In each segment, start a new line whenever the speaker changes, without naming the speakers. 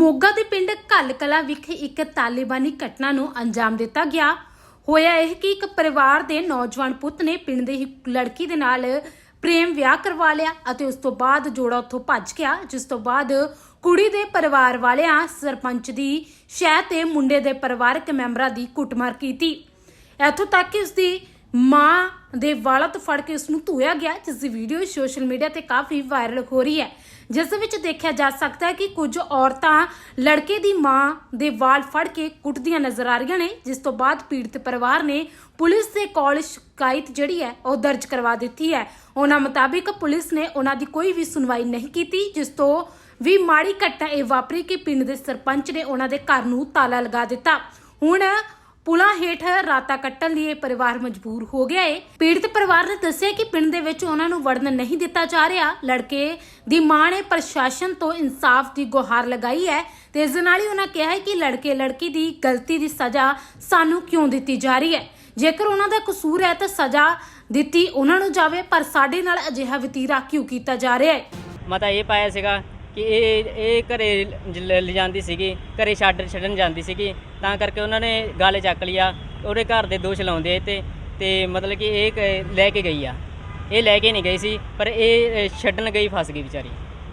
ਮੋਗਾ ਦੇ ਪਿੰਡ ਘੱਲ ਕਲਾਂ ਵਿਖੇ ਇੱਕ ਤਾਲਿਬਾਨੀ ਘਟਨਾ ਨੂੰ ਅੰਜਾਮ ਦਿੱਤਾ ਗਿਆ। ਹੋਇਆ ਇਹ ਕਿ ਇੱਕ ਪਰਿਵਾਰ ਦੇ ਨੌਜਵਾਨ ਪੁੱਤ ਨੇ ਪਿੰਡ ਦੇ ਹੀ ਲੜਕੀ ਦੇ ਨਾਲ ਪ੍ਰੇਮ ਵਿਆਹ ਕਰਵਾ ਲਿਆ ਅਤੇ ਉਸ ਤੋਂ ਬਾਅਦ ਜੋੜਾ ਉੱਥੋਂ ਭੱਜ ਗਿਆ, ਜਿਸ ਤੋਂ ਬਾਅਦ ਕੁੜੀ ਦੇ ਪਰਿਵਾਰ ਵਾਲਿਆਂ ਸਰਪੰਚ ਦੀ ਸ਼ਹਿ ਤੇ ਮੁੰਡੇ ਦੇ ਪਰਿਵਾਰਕ ਮੈਂਬਰਾਂ ਦੀ ਕੁੱਟਮਾਰ ਕੀਤੀ। ਇੱਥੋਂ ਤੱਕ ਕਿ ਉਸ ਦੀ ਮਾਂ ਦੇ ਵਾਲਾਂ ਤੋਂ ਫੜ ਕੇ ਉਸ ਨੂੰ ਧੋਇਆ ਗਿਆ, ਜਿਸ ਦੀ ਵੀਡੀਓ ਸੋਸ਼ਲ ਮੀਡੀਆ ਤੇ ਕਾਫੀ ਵਾਇਰਲ ਹੋ ਰਹੀ ਹੈ, ਜਿਸ ਵਿੱਚ ਦੇਖਿਆ ਜਾ ਸਕਦਾ ਹੈ ਕਿ ਕੁਝ ਔਰਤਾਂ ਲੜਕੇ ਦੀ ਮਾਂ ਦੇ ਵਾਲ ਫੜ ਕੇ ਕੁੱਟਦੀਆਂ ਨਜ਼ਰ ਆ ਰਹੀਆਂ ਨੇ, ਜਿਸ ਤੋਂ ਬਾਅਦ ਪੀੜਤ ਪਰਿਵਾਰ ਨੇ ਪੁਲਿਸ ਦੇ ਕੋਲ ਸ਼ਿਕਾਇਤ ਜਿਹੜੀ ਹੈ ਉਹ ਦਰਜ ਕਰਵਾ ਦਿੱਤੀ ਹੈ। ਉਹਨਾਂ ਮੁਤਾਬਿਕ ਪੁਲਿਸ ਨੇ ਉਹਨਾਂ ਦੀ ਕੋਈ ਵੀ ਸੁਣਵਾਈ ਨਹੀਂ ਕੀਤੀ, ਜਿਸ ਤੋਂ ਵੀ ਮਾੜੀ ਘਟਨਾ ਇਹ ਵਾਪਰੀ ਕਿ ਪਿੰਡ ਦੇ ਸਰਪੰਚ ਨੇ ਉਹਨਾਂ ਦੇ ਘਰ ਨੂੰ ਤਾਲਾ ਲਗਾ ਦਿੱਤਾ। ਹੁਣ ਪੁਲਾਂ ਹੇਠ ਰਾਤਾਂ ਕੱਟਣ ਲਈ ਇਹ ਪਰਿਵਾਰ ਮਜਬੂਰ ਹੋ ਗਿਆ ਹੈ। ਪੀੜਤ ਪਰਿਵਾਰ ਨੇ ਦੱਸਿਆ ਕਿ ਪਿੰਡ ਦੇ ਵਿੱਚ ਉਹਨਾਂ ਨੂੰ ਵੜਨ ਨਹੀਂ ਦਿੱਤਾ ਜਾ ਰਿਹਾ। ਲੜਕੇ ਦੀ ਮਾਂ ਨੇ ਪ੍ਰਸ਼ਾਸਨ ਤੋਂ ਇਨਸਾਫ ਦੀ ਗੁਹਾਰ ਲਗਾਈ ਹੈ ਤੇ ਇਸ ਦੇ ਨਾਲ ਹੀ ਉਹਨਾਂ ਕਿਹਾ ਹੈ ਕਿ ਲੜਕੀ ਦੀ ਗਲਤੀ ਦੀ ਸਜ਼ਾ ਸਾਨੂੰ ਕਿਉਂ ਦਿੱਤੀ ਜਾ ਰਹੀ ਹੈ। ਜੇਕਰ ਉਹਨਾਂ ਦਾ ਕਸੂਰ ਹੈ ਤਾਂ ਸਜ਼ਾ ਦਿੱਤੀ ਉਹਨਾਂ ਨੂੰ ਜਾਵੇ, ਪਰ ਸਾਡੇ ਨਾਲ ਅਜਿਹਾ ਵਤੀਰਾ ਕਿਉਂ ਕੀਤਾ ਜਾ ਰਿਹਾ ਹੈ।
ਮੈਂ ਤਾਂ ਇਹ ਪਾਇਆ ਸੀਗਾ ਕਿ ਇਹ ਘਰੇ ਲਿਜਾਂਦੀ ਸੀਗੀ, ਘਰੇ ਛੱਡਣ ਜਾਂਦੀ ਸੀਗੀ, ਤਾਂ ਕਰਕੇ ਉਹਨਾਂ ਨੇ ਗਾਲੇ ਚੱਕ ਲਿਆ। ਉਹਦੇ ਘਰ ਦੇ ਦੋਸ਼ ਲਾਉਂਦੇ ਤੇ ਮਤਲਬ ਕਿ ਇਹ ਲੈ ਕੇ ਗਈ ਆ, ਇਹ ਲੈ ਕੇ ਨਹੀਂ ਗਈ ਸੀ, ਪਰ ਇਹ ਛੱਡਣ ਗਈ, ਫਸ ਗਈ ਵਿਚਾਰੀ।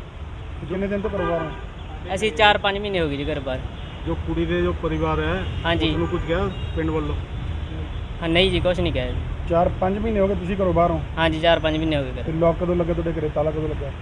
कितने दिन तो परिवार है?
ਅਸੀਂ 4-5 ਮਹੀਨੇ ਹੋ ਗਏ ਜੀ ਘਰ ਬਾਹਰ।
जो कुड़ी दे जो परिवार है
हाँ जी।
उसनों कुछ कहा पिंड वालों?
ਹਾਂ ਨਹੀਂ ਜੀ, ਕੁਛ ਨਹੀਂ ਕਿਹਾ ਜੀ।
4-5 महीने हो गए तुसी घरों बाहर हो
ਹਾਂਜੀ 4-5 ਮਹੀਨੇ ਹੋ ਗਏ
ते
ਘਰ।
लॉक कदों लगे तुहाडे घरे, ताला कदों लगा?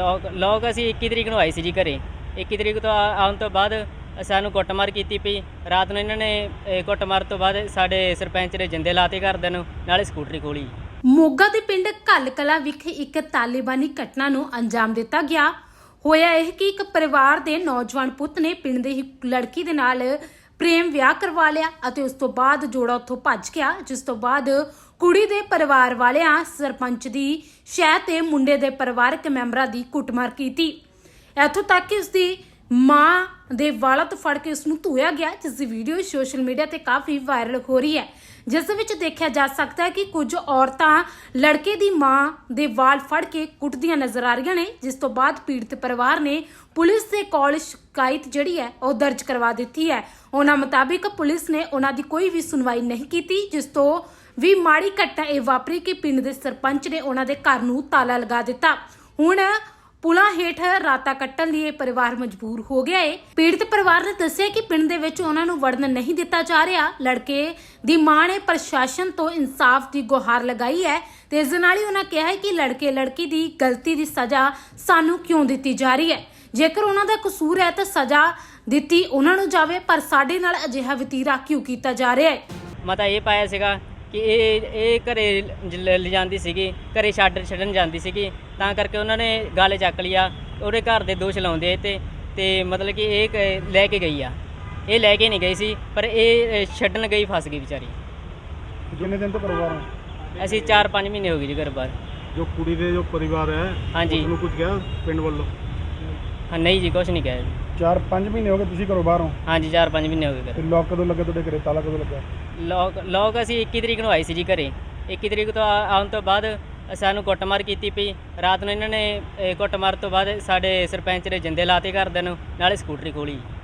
ਲੋਕ ਅਸੀਂ 21 ਤਰੀਕ ਨੂੰ ਆਏ ਸੀ ਜੀ ਘਰੇ। 21 ਤਰੀਕ ਤੋਂ ਆਉਣ ਤੋਂ ਬਾਅਦ ਸਾਨੂੰ ਕੁੱਟਮਾਰ ਕੀਤੀ ਪਈ। ਰਾਤ ਨੂੰ ਇਹਨਾਂ ਨੇ ਕੁੱਟਮਾਰ ਤੋਂ ਬਾਅਦ ਸਾਡੇ ਸਰਪੰਚ ਨੇ ਜਿੰਦੇ ਲਾਤੇ ਘਰਦਿਆਂ ਨੂੰ, ਨਾਲੇ ਸਕੂਟਰੀ ਖੋਲੀ।
ਮੋਗਾ ਦੇ ਪਿੰਡ ਘੱਲ ਕਲਾਂ ਵਿਖੇ ਇੱਕ ਤਾਲਿਬਾਨੀ ਘਟਨਾ ਨੂੰ ਅੰਜਾਮ ਦਿੱਤਾ ਗਿਆ। ਹੋਇਆ ਇਹ ਕਿ ਇੱਕ ਪਰਿਵਾਰ ਦੇ ਨੌਜਵਾਨ ਪੁੱਤ ਨੇ ਪਿੰਡ ਦੇ ਹੀ ਲੜਕੀ ਦੇ ਨਾਲ ਪ੍ਰੇਮ ਵਿਆਹ ਕਰਵਾ ਲਿਆ ਅਤੇ ਉਸ ਤੋਂ ਬਾਅਦ ਜੋੜਾ ਉੱਥੋਂ ਭੱਜ ਗਿਆ, ਜਿਸ ਤੋਂ ਬਾਅਦ ਕੁੜੀ ਦੇ ਪਰਿਵਾਰ ਵਾਲਿਆਂ ਸਰਪੰਚ ਦੀ ਸ਼ਹਿ ਤੇ ਮੁੰਡੇ ਦੇ ਪਰਿਵਾਰਕ ਮੈਂਬਰਾਂ ਦੀ ਕੁੱਟਮਾਰ ਕੀਤੀ। ਇੱਥੋਂ ਤੱਕ ਕਿ ਉਸ ਦੀ ਮਾਂ ਦੇ ਵਾਲਾਂ ਤੋਂ ਫੜ ਕੇ ਉਸ ਨੂੰ ਧੋਇਆ ਗਿਆ, ਜਿਸ ਦੀ ਵੀਡੀਓ ਸੋਸ਼ਲ ਮੀਡੀਆ ਤੇ ਕਾਫੀ ਵਾਇਰਲ ਹੋ ਰਹੀ ਹੈ, ਜਿਸ ਵਿੱਚ ਦੇਖਿਆ ਜਾ ਸਕਦਾ ਹੈ ਕਿ ਕੁਝ ਔਰਤਾਂ ਲੜਕੇ ਦੀ ਮਾਂ ਦੇ ਵਾਲ ਫੜ ਕੇ ਕੁੱਟਦੀਆਂ ਨਜ਼ਰ ਆ ਰਹੀਆਂ ਨੇ, ਜਿਸ ਤੋਂ ਬਾਅਦ ਪੀੜਤ ਪਰਿਵਾਰ ਨੇ ਪੁਲਿਸ ਦੇ ਕੋਲ ਸ਼ਿਕਾਇਤ ਜਿਹੜੀ ਹੈ ਉਹ ਦਰਜ ਕਰਵਾ ਦਿੱਤੀ ਹੈ। ਉਹਨਾਂ ਮੁਤਾਬਿਕ ਪੁਲਿਸ ਨੇ ਉਹਨਾਂ ਦੀ ਕੋਈ ਵੀ ਸੁਣਵਾਈ ਨਹੀਂ ਕੀਤੀ, ਜਿਸ ਤੋਂ ਵੀ ਮਾੜੀ ਘਟਨਾ ਇਹ ਵਾਪਰੀ ਕਿ ਪਿੰਡ ਦੇ ਸਰਪੰਚ ਨੇ ਉਹਨਾਂ ਦੇ ਘਰ ਨੂੰ ਤਾਲਾ ਲਗਾ ਦਿੱਤਾ। ਹੁਣ ਪੁਲਾਂ ਹੇਠ ਰਾਤਾਂ ਕੱਟਣ ਲਈ ਇਹ ਪਰਿਵਾਰ ਮਜਬੂਰ ਹੋ ਗਿਆ ਹੈ। ਪੀੜਤ ਪਰਿਵਾਰ ਨੇ ਦੱਸਿਆ ਕਿ ਪਿੰਡ ਦੇ ਵਿੱਚ ਉਹਨਾਂ ਨੂੰ ਵੜਨ ਨਹੀਂ ਦਿੱਤਾ ਜਾ ਰਿਹਾ। ਲੜਕੇ ਦੀ ਮਾਂ ਨੇ ਪ੍ਰਸ਼ਾਸਨ ਤੋਂ ਇਨਸਾਫ ਦੀ ਗੁਹਾਰ ਲਗਾਈ ਹੈ ਤੇ ਇਸ ਦੇ ਨਾਲ ਹੀ ਉਹਨਾਂ ਕਿਹਾ ਹੈ ਕਿ ਲੜਕੀ ਦੀ ਗਲਤੀ ਦੀ ਸਜ਼ਾ ਸਾਨੂੰ ਕਿਉਂ ਦਿੱਤੀ ਜਾ ਰਹੀ ਹੈ। ਜੇਕਰ ਉਹਨਾਂ ਦਾ ਕਸੂਰ ਹੈ ਤਾਂ ਸਜ਼ਾ ਦਿੱਤੀ ਉਹਨਾਂ ਨੂੰ ਜਾਵੇ, ਪਰ ਸਾਡੇ ਨਾਲ ਅਜਿਹਾ ਵਤੀਰਾ ਕਿਉਂ ਕੀਤਾ ਜਾ ਰਿਹਾ ਹੈ।
ਮੈਂ ਤਾਂ ਇਹ ਪਾਇਆ ਸੀਗਾ ਕਿ ਇਹ ਘਰੇ ਲਿਜਾਂਦੀ ਸੀਗੀ, ਘਰੇ ਛੱਡਣ ਜਾਂਦੀ ਸੀਗੀ, ਤਾਂ ਕਰਕੇ ਉਹਨਾਂ ਨੇ ਗਾਲੇ ਚੱਕ ਲਿਆ। ਉਹਦੇ ਘਰ ਦੇ ਦੋਸ਼ ਲਾਉਂਦੇ ਤੇ ਮਤਲਬ ਕਿ ਇਹ ਲੈ ਕੇ ਗਈ ਆ, ਇਹ ਲੈ ਕੇ ਨਹੀਂ ਗਈ ਸੀ, ਪਰ ਇਹ ਛੱਡਣ ਗਈ, ਫਸ ਗਈ ਵਿਚਾਰੀ।
कितने दिन तो परिवार है?
ਅਸੀਂ 4-5 ਮਹੀਨੇ ਹੋ ਗਏ ਜੀ ਘਰ ਬਾਹਰ।
जो कुड़ी दे जो परिवार है
हाँ जी।
उसनों कुछ कहा पिंड वालों?
ਹਾਂ ਨਹੀਂ ਜੀ, ਕੁਛ ਨਹੀਂ ਕਿਹਾ ਜੀ।
4-5 महीने हो गए तुसी घरों बाहर हो
ਹਾਂਜੀ 4-5 ਮਹੀਨੇ ਹੋ ਗਏ
ते
ਘਰ।
लॉक कदों लगे तुहाडे घरे, ताला कदों लगा?
ਲੋਕ ਅਸੀਂ 21 ਤਰੀਕ ਨੂੰ ਆਏ ਸੀ ਜੀ ਘਰੇ। 21 ਤਰੀਕ ਤੋਂ ਆਉਣ ਤੋਂ ਬਾਅਦ ਸਾਨੂੰ ਕੁੱਟਮਾਰ ਕੀਤੀ ਪਈ। ਰਾਤ ਨੂੰ ਇਹਨਾਂ ਨੇ ਕੁੱਟਮਾਰ ਤੋਂ ਬਾਅਦ ਸਾਡੇ ਸਰਪੰਚ ਨੇ ਜਿੰਦੇ ਲਾਤੇ ਘਰਦਿਆਂ ਨੂੰ, ਨਾਲੇ ਸਕੂਟਰੀ ਖੋਲੀ।